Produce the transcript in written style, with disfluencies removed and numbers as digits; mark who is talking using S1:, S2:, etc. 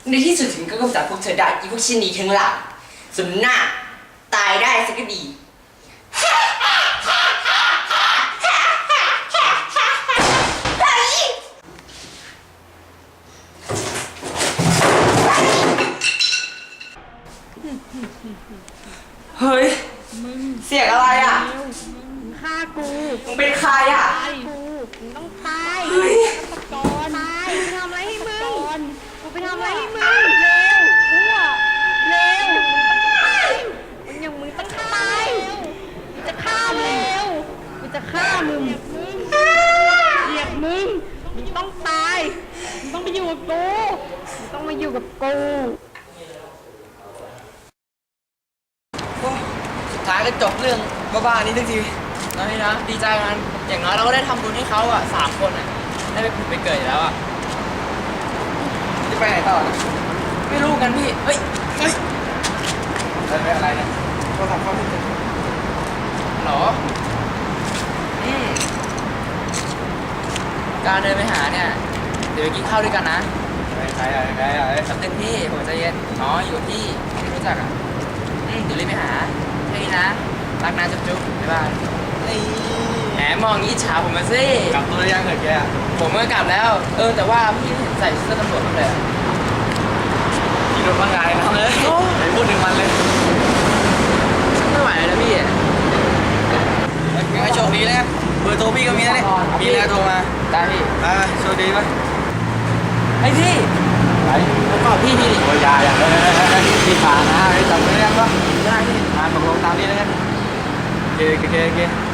S1: ในที่สุดถึงก็กำจัดพวกเธอได้อีพวกชิ้นนี้ทั้งหลังส่วนหน้าตายได้สักก็ดีเฮ้ยเสียงอะไรอ่ะ
S2: ฆ่ากู
S1: มึงเป็นใครอ่ะ
S2: ตายกูมึงต้องตาย
S1: เฮ้ย
S2: ตอนตายกูไปทำอะไรให้มึงกูไปทำอะไรให้มึงเร็วกูอะเร็วมึงอย่างมึงต้องตายกูจะฆ่ามึงกูจะฆ่ามึงเหยียบมึงมึงต้องตายมึงต้องไปอยู่กับกูมึงต้องมาอยู่กับกู
S3: สุดท้ายก็จบเรื่องบ้าๆนี้ทันทีนะพี่นะดีใจมันอย่างน้อยเราก็ได้ทำบุญให้เขาอ่ะ3 คนอ่ะได้ไปผุดไปเกิดอยู่แล้วอ่ะจะไปไหนต่อนะไม่รู้กันพี่เฮ้ยอะไรเนี่ยเราทำข้อมูลหรอการเดินไปหาเนี่ยเดี๋ยวไปกินข้าวด้วยกันนะใครสำนึกพี่ผมใจเย็นอ๋ออยู่กับพี่ไม่รู้จักอ่ะเดี๋ยวรีบไปหาแค่นี้นะรักนะจุ๊บบ๊ายบายแหมมองงี้ฉาผมมาสิกลับตัวหรือยังเหรอแกผมเมื่อกลับแล้วแต่ว่าพี่เห็นใส่เสื้อตำรวจมาเลยพี่โดนบ้างไงน้องเลยไปพูดถึงมันเลยไม่ไหวแล้วพี่ยังไงโชคดีแล้วเบอร์โทรพี่ก็มีนะเนี่ยมีแล้วโทรมาได้พี่โชคดีไหมไอพี่แล้วก็พี่โอ้ยอย่าพี่ขานะจำไม่ได้ก็ได้พี่ตกลงตามนี้แล้วกันโอเค